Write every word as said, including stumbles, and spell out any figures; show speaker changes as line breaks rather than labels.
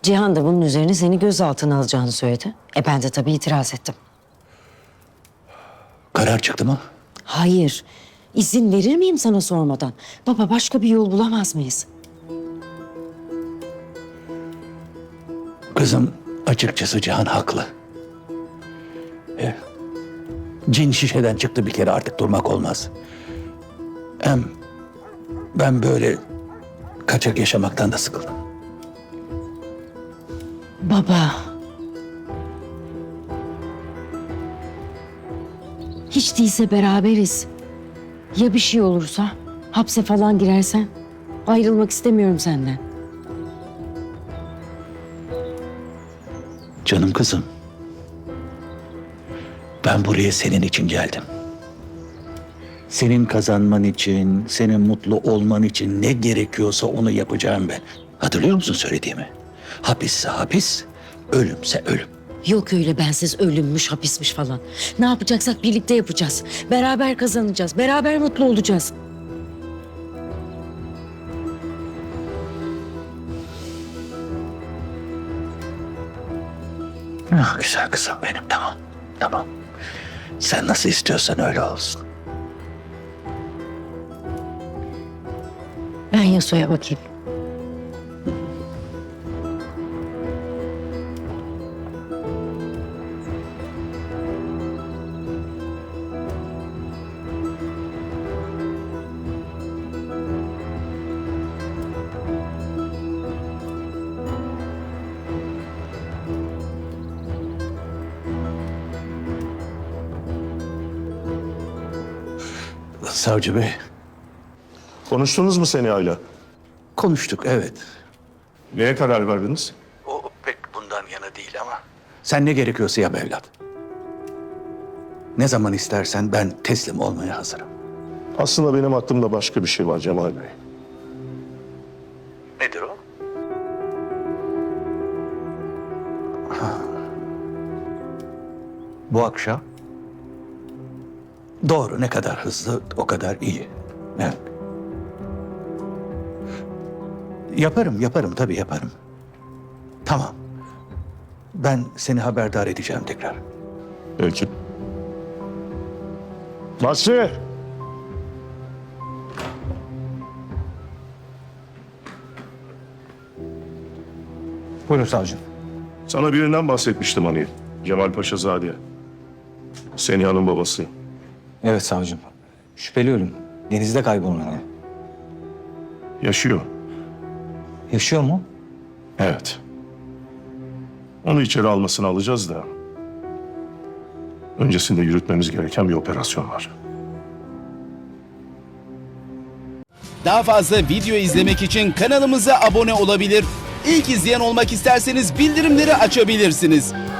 Cihan da bunun üzerine seni gözaltına alacağını söyledi. E ben de tabii itiraz ettim.
Karar çıktı mı?
Hayır. İzin verir miyim sana sormadan? Baba başka bir yol bulamaz mıyız?
Kızım açıkçası Cihan haklı. E, cin şişeden çıktı bir kere, artık durmak olmaz. Hem ben böyle kaçak yaşamaktan da sıkıldım.
Baba. Hiç değilse beraberiz. Ya bir şey olursa? Hapse falan girersen? Ayrılmak istemiyorum senden.
Canım kızım. Ben buraya senin için geldim. Senin kazanman için, senin mutlu olman için ne gerekiyorsa onu yapacağım ben. Hatırlıyor musun söylediğimi? Hapisse hapis, ölümse ölüm.
Yok öyle bensiz ölümmüş, hapismiş falan. Ne yapacaksak birlikte yapacağız. Beraber kazanacağız, beraber mutlu olacağız.
Ah, güzel kızım benim, tamam, tamam. Sen nasıl istiyorsan öyle olsun.
Ben Yasuo'ya bakayım.
Savcı Bey,
Konuştunuz mu Seniha'yla?
konuştuk evet.
Neye karar verdiniz?
O pek bundan yana değil ama. Sen ne gerekiyorsa yap evlat. Ne zaman istersen ben teslim olmaya hazırım.
Aslında benim aklımda başka bir şey var Cemal Bey.
Nedir o? Bu akşam. Doğru, ne kadar hızlı o kadar iyi. Evet. Yaparım, yaparım tabii yaparım. Tamam. Ben seni haberdar edeceğim tekrar.
Peki. Basri!
Buyurun savcım.
Sana birinden bahsetmiştim hani. Cemal Paşazade. Seniha'nın babası.
Evet savcım. Şüpheli ölüm. Denizde kaybolunan adam.
Yaşıyor.
Yaşıyor mu?
Evet. Onu içeri almasını alacağız da... öncesinde yürütmemiz gereken bir operasyon var.
Daha fazla video izlemek için kanalımıza abone olabilir. İlk izleyen olmak isterseniz bildirimleri açabilirsiniz.